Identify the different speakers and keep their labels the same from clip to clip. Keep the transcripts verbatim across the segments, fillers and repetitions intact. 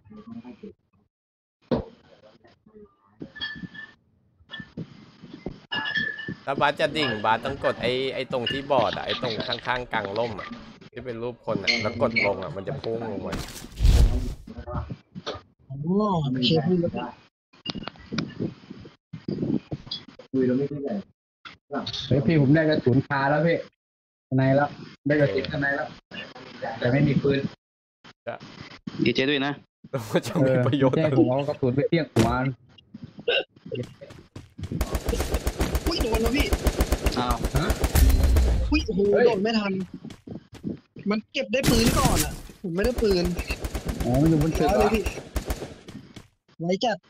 Speaker 1: ถ้าบาสจะดิ่งบาสต้องกดไอ้ไอ้ตรงที่บอร์ดอะไอ้ตรงข้างๆกลางร่มอะที่เป็นรูปคนอะแล้วกดลงอะมันจะพุ่งลงมา
Speaker 2: อ๋อเชฟพูดแล้ว
Speaker 3: เฮ้ยพี่ผมได้กระสุนคาแล้วพี่ข้างในแล้วได้กระสุนข้างในแล้วแต่ไม่มีปืน
Speaker 4: ดีเจด้วยนะ
Speaker 1: แล้วจะมีประโยชน์
Speaker 3: ใช่
Speaker 1: อะไร
Speaker 3: ผมเอากระสุนไปเตี้ยงหัว
Speaker 2: อุ้ยโดนแล้วพี่
Speaker 4: อ้าว
Speaker 3: ฮะ
Speaker 2: อุ้ยโอ้โหโดนไม่ทัน มันเก็บได้ปืนก่อนอ่ะ ผมไม่ได้ปืน
Speaker 3: อ๋อมันอยู่บนตึก
Speaker 2: แล้ว
Speaker 3: เหร
Speaker 2: เล
Speaker 3: อย
Speaker 2: พี่ไว้จัด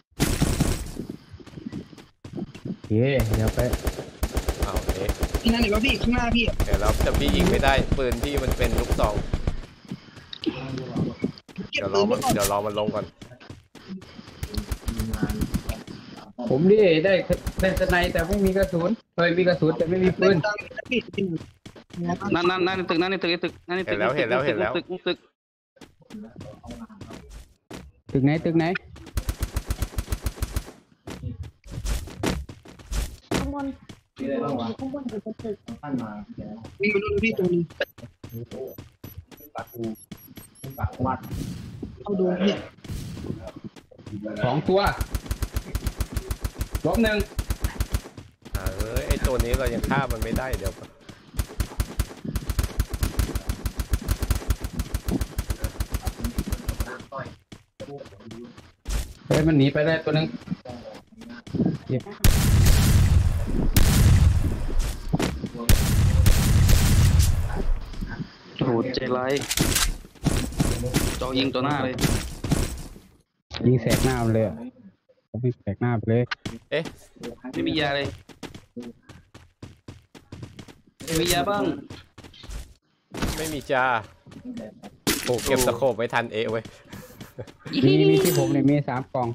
Speaker 3: โอเคเดี๋ยวไป
Speaker 1: เอาเอ๊ะ
Speaker 2: ที่นั่นเห็นว่าพี่ข้างหน้าพี่
Speaker 1: เดี๋ยวเราจะพี่ยิงไม่ได้ปืนพี่มันเป็นลูกซอง
Speaker 2: เก็บ
Speaker 1: เดี๋ยวร
Speaker 2: ปื
Speaker 1: อน มั
Speaker 2: ไว้
Speaker 1: น
Speaker 2: ก่อน
Speaker 1: เดี๋ยวรอมันลงก่อน
Speaker 3: ผมดิได้ได้สไนแต่ไม่มีกระสุนเคยมีกระสุนแต่ไม่มีปืน
Speaker 2: ตังค์พี่พี่
Speaker 4: นั่นนั่นนั่นในตึกนั่นในตึกในตึกนั่นในตึก
Speaker 1: เห็นแล้วเห็นแล้วเห็นแล้ว
Speaker 4: ตึกตึก
Speaker 3: ตึกไหนตึกไหน
Speaker 5: ข้างบนข้างบนอยู่บนตึก
Speaker 2: วิ่งมาดูพี่ตัวนี้เอาโดนพี่
Speaker 3: สองตัวล้มหนึ่ง
Speaker 1: อ่าเอ้ยไอ้ตัวนี้เรายังฆ่ามันไม่ได้เดี๋ยวก่อน
Speaker 3: เฮ้ยมันหนีไปได้ตัวหนึงเจ็บ
Speaker 4: โหดใจร้ายจอยิงตัวหน้าเลย
Speaker 3: ยิงแสกหน้ามันเลยอะผมยิงแสกหน้าไปเลย
Speaker 1: เอ๊ะ
Speaker 4: ไม่มียาเลยไม่มียาบ้าง
Speaker 1: ไม่มีจ้าโอ้เก็บสโคปไม่ทันเอะเว้ย
Speaker 3: มีมีที่ผมเนี่ยมีสามกล่อง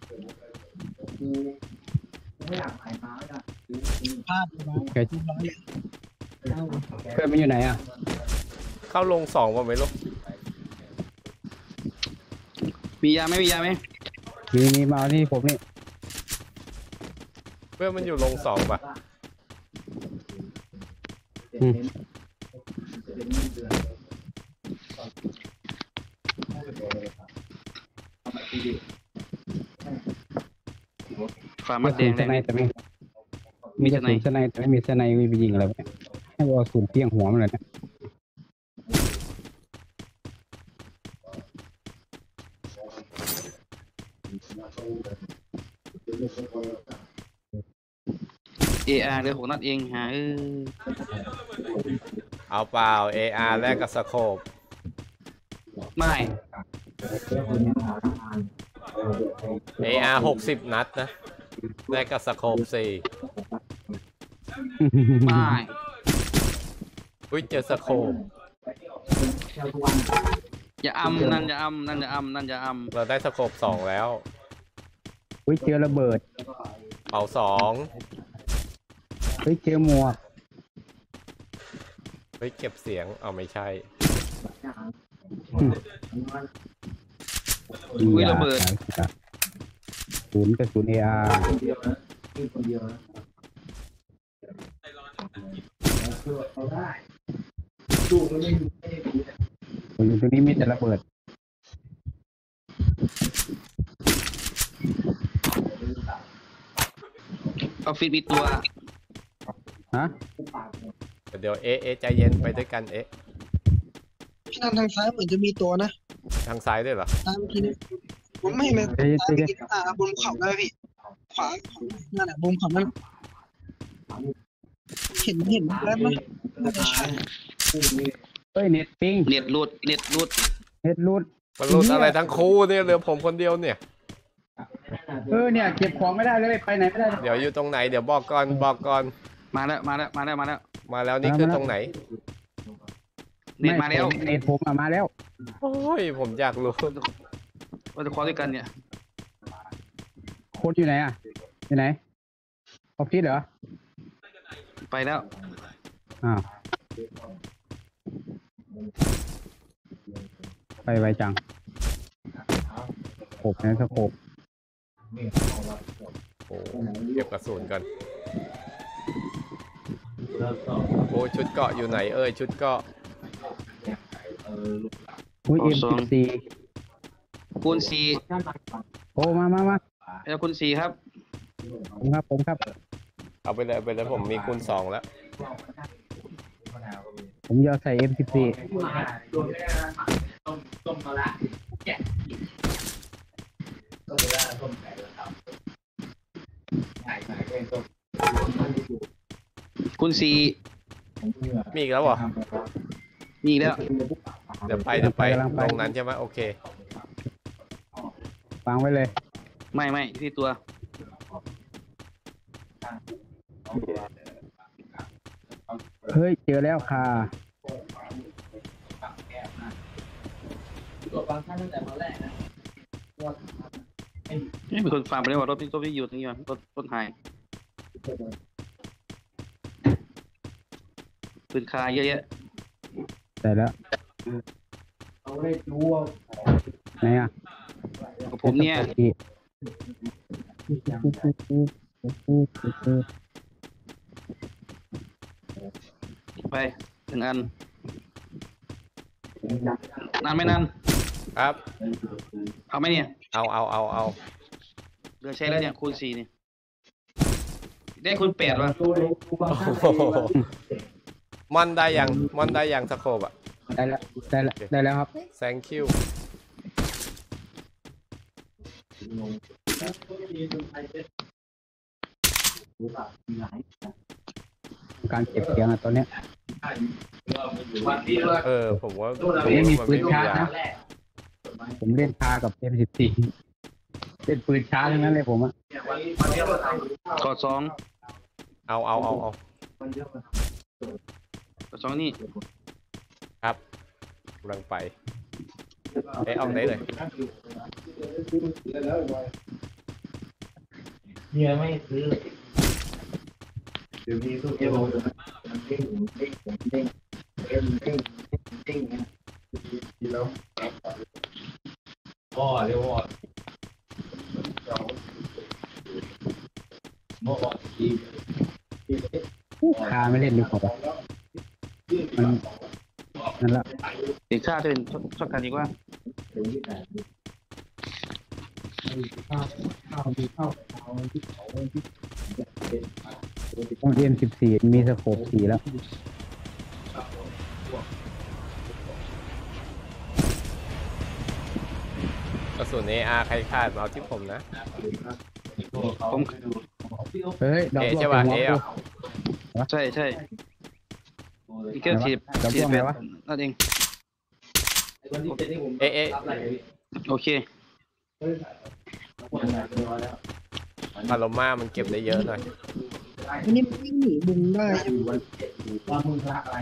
Speaker 2: ภาพมา
Speaker 3: เคย
Speaker 2: เรียบร้อยเลย
Speaker 3: เพื่อนมันอยู่ไหนอ่ะ
Speaker 1: เข้าลงสองว่าไม่รู้
Speaker 4: มียาไหมมียาไหม
Speaker 3: มีมีมาเอาที่ผมนี่
Speaker 1: เพื่อนมันอยู่ลงสองป่ะ
Speaker 3: อืม
Speaker 4: ฝามัด
Speaker 3: ก
Speaker 4: แด
Speaker 3: ระ
Speaker 4: ง
Speaker 3: สุนส
Speaker 4: ได้ไห
Speaker 3: ไน
Speaker 4: ม
Speaker 3: แต่ไม่มีกระสุนสไนแต่ไม่มีสไนไปยิงอะไรวะเนี่ยให้เอากระสุนเพี้ยงหัวมันเลยนะ
Speaker 4: เออาร์เลยหกนัดเองฮะเออ
Speaker 1: เอาเปล่า เอ อาร์ แลกกับสโคป
Speaker 4: ไม่
Speaker 1: เอ อาร์ หกสิบนัดนะแลกกับสโคปสี่
Speaker 4: ไม่
Speaker 1: อุ้ยเจอสโคป
Speaker 4: อย่าอำนั่นอย่าอำนั่นอย่าอำนั่นอย่าอำ
Speaker 1: เราได้สโคปสองแล้ว
Speaker 3: เฮ้ยเจอระเบิด
Speaker 1: เป่าสอง
Speaker 3: เฮ้ยเจอหมวก
Speaker 1: เฮ้ยเก็บเสียงเอาไม่ใช่
Speaker 4: อุ้ยระเบิด
Speaker 3: กระสุนกระสุนเออาร์ผมอยู่ตรงนี้มีแต่ระเบิด
Speaker 4: ออฟฟิศมีตัว
Speaker 3: ฮะ
Speaker 1: เดี๋ยวเอะเอะใจเย็นไปด้วยกันเอะ
Speaker 2: พี่นันทางซ้ายเหมือนจะมีตัวนะ
Speaker 1: ทางซ้ายด้วยเหรอ
Speaker 2: ตามเมื่อกี้นี้ผมไม่เห็นเลย
Speaker 3: เฮ้ย
Speaker 2: ตาม
Speaker 3: เฮ้ย
Speaker 2: เมื่อกี้อ่าบนเขาได้ไหมพี่ ขวานั่นแหละบนเขานั่นเห็นเห็นแล้วไหมน่าจะใช่
Speaker 3: เฮ้ยเน็ตปิง
Speaker 4: เน็ตรูดเน็ตรูด
Speaker 3: เน็ตรูด
Speaker 1: มันรุดอะไรทั้งคู่เนี่ยเหลือผมคนเดียวเนี่ย
Speaker 3: เออเนี่ยเก็บของไม่ได้เลยไปไหนไม่ได้เลย
Speaker 1: เดี๋ยวอยู่ตรงไหนเดี๋ยวบอกก่อนบอกก่อน
Speaker 4: มาแล้วมาแล้วมาแล้วมาแล้ว
Speaker 1: มาแล้วนี่คือตรงไหน
Speaker 4: เน็ตมาแล้ว
Speaker 3: ไเน็ตผมอะมาแล้ว
Speaker 1: โอ้ยผมอยากรู้
Speaker 4: เราจะคว้าด้วยกันเนี่ย
Speaker 3: โค้ดอยู่ไหนอ่ะอยู่ไหนออฟฟิศเหรอ
Speaker 4: ไปแล้ว
Speaker 3: อ้าวไปไวจังปในสโคป
Speaker 1: โอ้เก็บกระสุนก่อนโอ้ชุดเกาะอยู่ไหนเอ่ยชุดเกาะ
Speaker 3: อุ้ยเอ็มสิบสี่
Speaker 4: คูณสี่
Speaker 3: โอ้มามามา
Speaker 4: แล้วคูณสี่ครับ
Speaker 3: ผมครับผมครับ
Speaker 1: เอาไปเลยเอาไปเลยผมมีคูณสองแล้ว
Speaker 3: ผมยอใส่เอ็มสิบสี่
Speaker 4: คูณสี่
Speaker 1: มีอีกแล้วเหรอ
Speaker 4: มีอีกแล้ว
Speaker 1: เดี๋ยวไปเดี๋ยวไปตรงนั้นใช่ไหมโอเค
Speaker 3: วางไว้เลย
Speaker 4: ไม่ไม่ที่ตัว
Speaker 3: เฮ้ยเจอแล้วค่ะ
Speaker 4: นี่เป็นคนฟาร์มไปเลยว่ารถที่รถที่อยู่ตรงนี้ว่ะรถรถหายปืนคาเยอะแยะ
Speaker 3: ได้แล้วไหนอ่ะ
Speaker 4: กับผมเนี่ยไปหนึ่งอันนานไม่นาน
Speaker 1: ครับ
Speaker 4: เอาไหมเนี่ย
Speaker 1: เอาเอาเอาเอา
Speaker 4: เดือใช้แล้วเนี่ยคูณสี่นี่ได้คูณแปดวะ
Speaker 1: โอ้โหมอนได้ยังมอนได้ยังสโคปอะ
Speaker 3: ได้แล้วได้แล้วได้แล้วครับ
Speaker 1: thank you
Speaker 3: การเก็บเสียงอ่ะตอนเนี้ย
Speaker 1: เออผมว่า
Speaker 3: ผมไม่มี
Speaker 1: น
Speaker 3: ปืน
Speaker 1: ไ
Speaker 3: ชาร์จนะผมเล่นคากับเอ็มสิบสี่เล่นปืนชาร์จทั้งนั้นเลยผมอ่ะ
Speaker 4: กอดสอง
Speaker 1: เอาเอาเอาเอา
Speaker 4: กอดสองนี่
Speaker 1: ครับกำลังไปเอ้ยเอาไหนเลย
Speaker 6: เนี่ยไม่ซื้อเดี๋ยวมีตู้เอโมันเด้งเด้งเด้งเด้งเด้งเด้งนะทีแล้วอ๋อเรียกว่าโม่ที
Speaker 3: คาไม่เล่นดีกว่ามันนั่นละ
Speaker 4: เด็กข้าจะเป็นชอบกันดีกว่า
Speaker 3: ต้องเอ็มสิบสี่มีสโคปสี่แล้ว
Speaker 1: กระสุน เอ อาร์ ใครขาดมาเอาที่ผมนะ
Speaker 4: ผม
Speaker 3: เฮ้ยดอก
Speaker 1: เอ
Speaker 3: บัว
Speaker 1: ใช่ป่ะ
Speaker 3: หัว
Speaker 1: เอ
Speaker 3: กู
Speaker 1: อ่ะ
Speaker 4: ใช่ใช่อีกแค่สิบ
Speaker 3: ดอก
Speaker 4: สิ
Speaker 3: บั
Speaker 4: บ
Speaker 3: ว
Speaker 4: แป
Speaker 3: ไง
Speaker 4: ด
Speaker 3: วะ
Speaker 4: นั่นเอง
Speaker 1: เอเอ
Speaker 4: โอเค
Speaker 1: พาโลมามันเก็บได้เยอะหน่อย
Speaker 2: อันนี้มันวิ่งหนีบุงได้
Speaker 6: ว่ามึงรักอะไร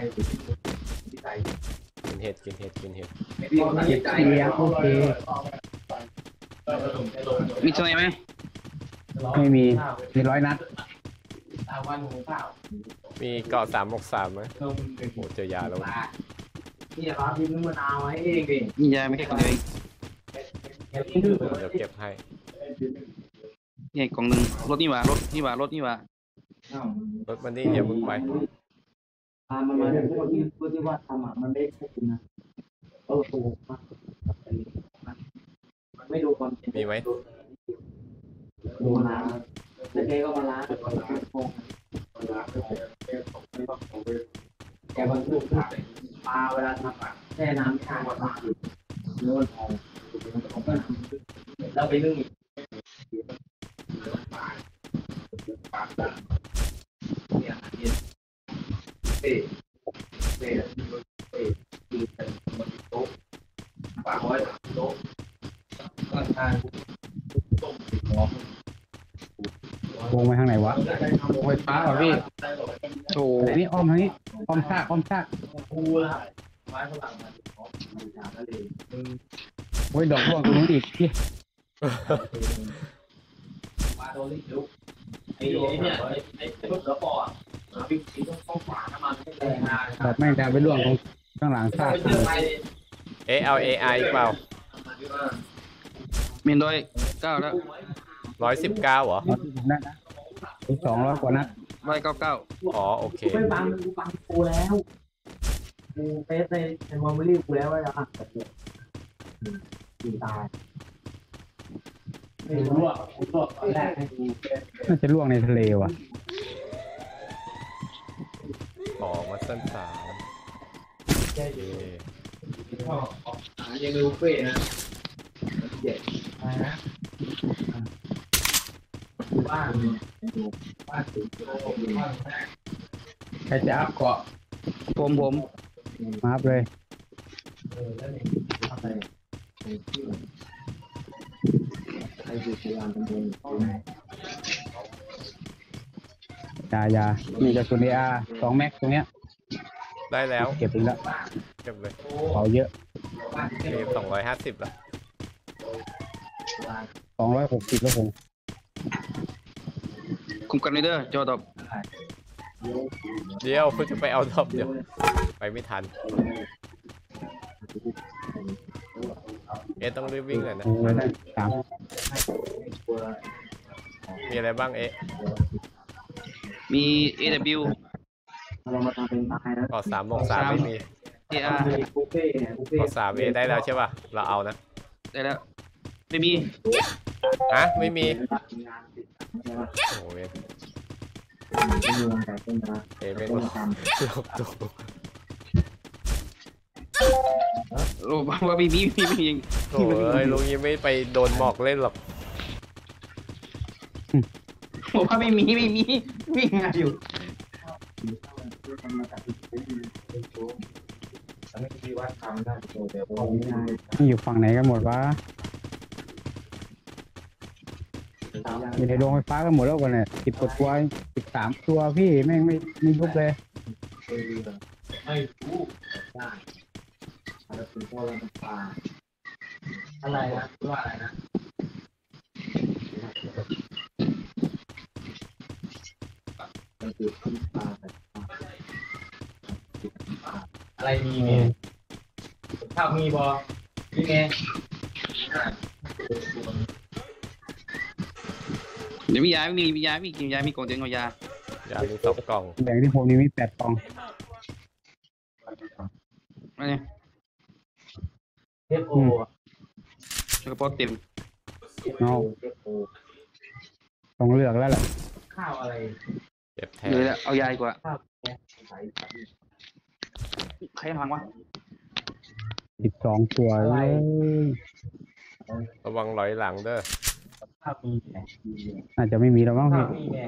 Speaker 1: กินเห็ดกินเห็ดกินเห็ด
Speaker 3: เก็บเสียงโอเค
Speaker 4: มีทนายไหม
Speaker 3: ไม่มีมีร้อยนัด
Speaker 6: วันหมูข้าว
Speaker 1: มีเกาะสามหกสามไหม
Speaker 6: เธอมึงเป็น
Speaker 1: โอ้เจอยาแล้ว
Speaker 6: นี่ร้านที่มึงมะนาวให้เองดิ
Speaker 4: มียาไม่แค่คนเดียวเอง
Speaker 6: เก็บที่ดื้อ
Speaker 1: เดี๋ยวเก็บให้
Speaker 4: นี่กล่องหนึ่งรถนี่หว่ารถนี่หว่ารถนี่หว่าร
Speaker 1: ถมันนี่อย่าเพิ่งไป
Speaker 6: พามันมาเรื่องพวกที่พวกที่ว่าทำอ่ะมันไม่ใช่จริงนะเออถูกมันไม่ดูความจริง
Speaker 1: มีไหม
Speaker 6: ดูน้ำแล้วแกก็มาล้างแกบรรทุกปลาเวลาทำอ่ะแช่น้ำไม่ทานกว่าปลาเนื้อทองแล้วไปนึ่งเนี่ยเนี่ยเอ๊ะเอ๊ะเอ๊ะคือเป็นมันโต๊ะปลาไว้โต๊ะก็ทานต้มติดหัว
Speaker 3: วงไปทางไหนวะวงไฟฟ้าเหรอพี่
Speaker 4: โอ้
Speaker 3: อันนี้อ้อมทางนี้อ้อมซากอ้อมซาก
Speaker 6: ปูละไม้ฝรั่งมันของมันจากทะเล
Speaker 3: โอ้ยดอกบัวตรงนู้นอีกพี่
Speaker 6: ปลาโดนลิลุกไอ้ไอ้เนี่ยไอ้ไอ้รถกระป๋ออ่ะวิ่งสีต้องต้องฝาน้ำมันให้แรงงาน
Speaker 3: แบบแม่งจะไปล่วงตรงข้างหลังซาก
Speaker 6: ไปเจอไป
Speaker 1: เอะเอา เอ ไอ อีกเปล่า
Speaker 4: เมนร้อยเก้าแล้ว
Speaker 1: ร้อยสิบเก้าเหรอ
Speaker 3: เอาที่ผมได้นะอีกสองร้อยกว่านัด
Speaker 4: ร้อยเก้าเก้า
Speaker 1: อ๋อโอเค
Speaker 5: กูไม่ฟังกูฟังกูแล้วกูเฟซในในมอมรี่กูแล้วว่าจะหักกับกูกูตายไม่รู้อ่ะกูตอนแรกให้กู
Speaker 3: น่าจะล่วงในทะเลว่ะ
Speaker 1: อ๋อมาสั้นสามโอเค
Speaker 6: หายังดูเฟ่นะเจ็ด
Speaker 5: อะไรนะ
Speaker 6: บ้านบ้านถึงบ้านแม่
Speaker 3: ใครจะอัพเกาะ
Speaker 4: ผมผม
Speaker 3: มาอัพเลย
Speaker 6: เออแล้วนี่ทำอะไรใครอยู่พยายามเป็นคน
Speaker 3: ยายามีกระสุนเออาสองแม็กตรงเนี้ย
Speaker 1: ได้แล้ว
Speaker 3: เก็บไปแล้ว
Speaker 1: เก็บเลย
Speaker 3: เผาเยอะ
Speaker 1: มีสองร้อยห้าสิบละ
Speaker 3: สองร้อยหกสิบแล้วผม
Speaker 4: คุมกันเลยเด้อจอดอบ
Speaker 1: เดี๋ยวคุณจะไปเอาดอบเดี๋ยวไปไม่ทันเอ๊ะต้องรีบวิ่งเลยนะ
Speaker 3: โอ้ยได้สาม
Speaker 1: มีอะไรบ้างเอ๊ะ
Speaker 4: มี เอ ดับเบิลยู
Speaker 5: เรามาทำเป็นตายแล้ว
Speaker 1: ก่อสามบวกสามไม่มี
Speaker 4: เอ อาร์
Speaker 5: บุฟเฟ่เนี่ยบุฟเฟ่
Speaker 1: ก่อสามเอได้แล้วใช่ป่ะเราเอานะ
Speaker 4: ได้แล้ว ไม่มี
Speaker 1: ฮะไม่มี
Speaker 5: งานติดใช่ไหม
Speaker 1: โอ้ย
Speaker 5: เป็นวงแต่เป็นมา
Speaker 1: เอ๊ะไม่
Speaker 5: เป็น
Speaker 1: รู้
Speaker 5: ทำ
Speaker 1: หลบตัว
Speaker 4: โอ้บอกว่าไม่มีไม่มีไม่มี
Speaker 1: โอ้ยลุงยังไม่ไปโดนหมอกเล่นหรอก
Speaker 4: บอกว่าไม่มีไม่มีวิ่งงานอยู่
Speaker 6: อันนี้ที่วัดทำได้โชว์เดี๋ยวผม
Speaker 3: นี่อยู่ฝั่งไหนกันหมดวะอยู่ในโรงไฟฟ้ากันหมดแล้วกันเนี่ยสิบกว่าตัวสิบสามตัวพี่แม่งไม่ไม่ยุบเลย
Speaker 6: ไม่รู้ได้แล้วคุณพ่อเราปลา
Speaker 5: อะไรนะ
Speaker 6: ว่าอะไรนะมันคือขึ้นปลาแต่อะไรมีไงข้าวมีบอมีไง
Speaker 4: เดี๋ยวมียาไม่มีมียาไม่กินยามีกล่องเตียงเอายา
Speaker 1: อย่ามีสองกล่อง
Speaker 3: แบ่งที่ผมนี่มีแปดกล่อง
Speaker 4: อะไรเนี่ย
Speaker 5: เทปโอ
Speaker 4: กระเป๋าเต็ม
Speaker 3: เอาต้องเลือกแล้วแหละ
Speaker 5: ข้าวอะไร
Speaker 1: เก็บแทน
Speaker 4: เลยแล้วเอายาดีกว่า
Speaker 5: ข้าว
Speaker 4: ใครพังวะ
Speaker 3: สิบสองตัวเลย
Speaker 1: ระวังร้อยหลังเด้อ
Speaker 5: ข้าวมีไง
Speaker 3: อาจจะไม่มีแล้วมั้ง
Speaker 5: ข้า
Speaker 3: พี่
Speaker 5: วมีไง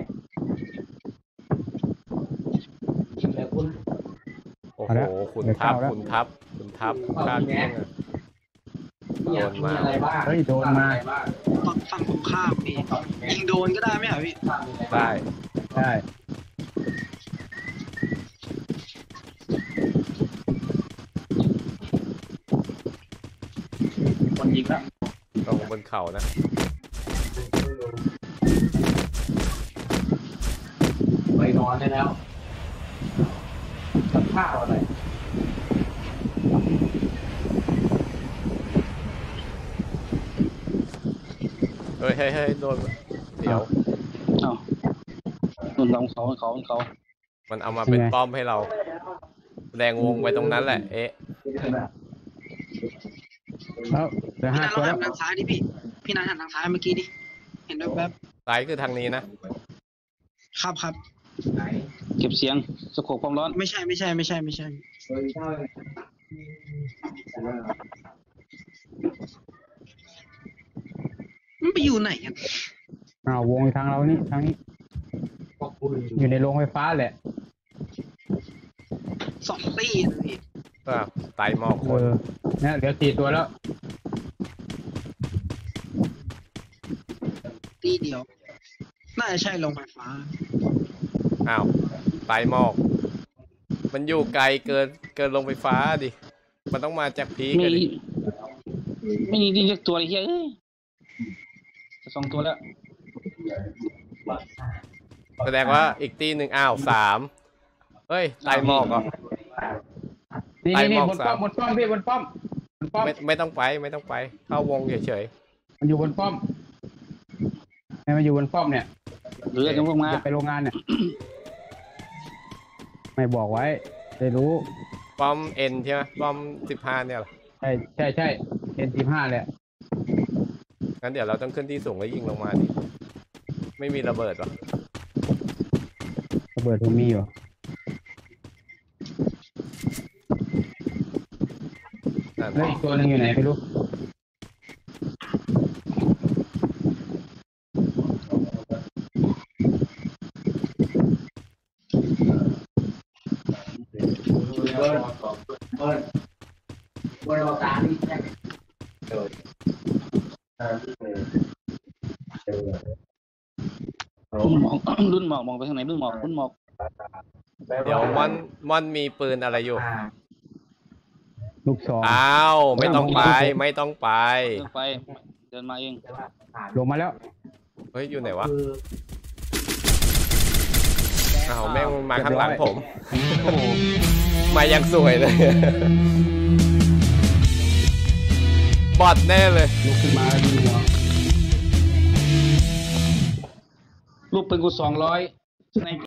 Speaker 5: แต่คุณ
Speaker 1: โอ้โหขุนทับขุนทับขุนทับฆ่าเกี้ยงอะ
Speaker 5: อยากมีอะไรบ้าง
Speaker 3: เฮ้ยโดนมา
Speaker 2: ฝั่งฝั่งตรงข้ามพี่ยิงโดนก็ได้ไหมอ่ะพี่
Speaker 1: ได้
Speaker 3: ได้
Speaker 5: คนยิงแล้ว
Speaker 1: ตรงบนเขานะ
Speaker 5: ไปนอนได้แล้วกับข้าวอะไร
Speaker 1: เฮ้ยเฮ้ยเฮ้ยโดนเดี๋ยว
Speaker 4: เอ้านุ่นลองเขาเขาเขา
Speaker 1: มันเอามาเป็นป้อมให้เราแดงวงไปตรงนั้นแหละเอ๊ะ
Speaker 3: แล้วเหลือ
Speaker 2: พี่
Speaker 3: ห้า
Speaker 2: นัน
Speaker 3: ตัว
Speaker 2: เรา
Speaker 3: แล้ว
Speaker 2: หันทางซ้ายดิพี่พี่นันหันทางซ้ายเมื่อกี้ดิเห็นแวบ
Speaker 1: ซ้ายคือทางนี้นะ
Speaker 2: ๆครับครับ
Speaker 6: ไหน
Speaker 4: เก็บเสียงสโคปความร้อน
Speaker 2: ไม่ใช่ไม่ใช่ไม่ใช่ไม่ใช่
Speaker 6: เคยเท่าไหร่
Speaker 2: มันไปอยู่ไหนกัน
Speaker 3: อ้าววงอยู่ทางเรานี่ทางนี้
Speaker 6: พวกคุณ
Speaker 3: อยู่ในโรงไฟฟ้าแหละ
Speaker 2: สองตีนะพี่
Speaker 1: ก็ไตหมอกค
Speaker 3: เอน อเนี่ยเหลือสี่ตัวแล้ว
Speaker 2: ตีเดียว น่าจะใช่โรงไฟฟ้า
Speaker 1: อ้าวไตหมอก มันอยู่ไกลเกินเกินลงไฟฟ้าดิ มันต้องมาจากพีก
Speaker 4: ไม่
Speaker 1: อะดิ
Speaker 4: ไม่มีดีเรียกตัวเลยเฮ้ยเอ้ยจะสองตัวแล้ว
Speaker 1: แสดงว่าอีกตีหนึ่งอ้าวสามเฮ้ยไตหมอกเหรอ
Speaker 3: นี่
Speaker 1: ไป
Speaker 3: นี่
Speaker 1: มอง
Speaker 3: บน
Speaker 1: สาม
Speaker 3: ป้อมบนป้อมพี่บนป้อมบนป้อม
Speaker 1: ไม่ไม่ต้องไปไม่ต้องไป เข้าวงเฉย
Speaker 3: มันอยู่บนป้อมให้มันอยู่บนป้อมเนี่ย
Speaker 4: หรือจะพวกมา
Speaker 3: จะไปโรงงานเนี่ย ไม่บอกไว้ได้รู้
Speaker 1: ป้อมเอ็นใช่ไหมป้อมสิบห้าเนี่ยเหรอ
Speaker 3: ใช่ใช่ใช่เอ็นสิบห้าแหละ
Speaker 1: งั้นเดี๋ยวเราต้องขึ้นที่สูงแล้วยิงลงมาดิไม่มีระเบิดหรอ
Speaker 3: ระเบิดผมมีอยู่
Speaker 1: นั่น
Speaker 3: แล้วอีกตัวหนึงอยู่ไหนไม่รู้
Speaker 6: เบิร์นเบิร์นเบิร์นเราตาที่แค่เจอตาที่เจอเจอ
Speaker 4: รุ่นหมอกรุ่นหมอกมองไปทางไหนรุ่นหมอกรุ่นหมอก
Speaker 1: เดี๋ยวม่อนม่อนมีปืนอะไรอยู่
Speaker 3: ลูกสอง
Speaker 1: อ้าวไม่ต้องไปไม่ต้องไป
Speaker 4: เดินไปเดินมาเอง
Speaker 3: ลงมาแล้ว
Speaker 1: เฮ้ยอยู่ไหนวะ
Speaker 5: คือ
Speaker 1: อ้าวแม่งมาข้างหลังผม
Speaker 3: โอ้โห
Speaker 1: มายังสวยเลย บอดแน่เลย
Speaker 3: ลุกขึ้นมาแล้วดูหัว
Speaker 4: ลูกเป็นกูสองร้อยใน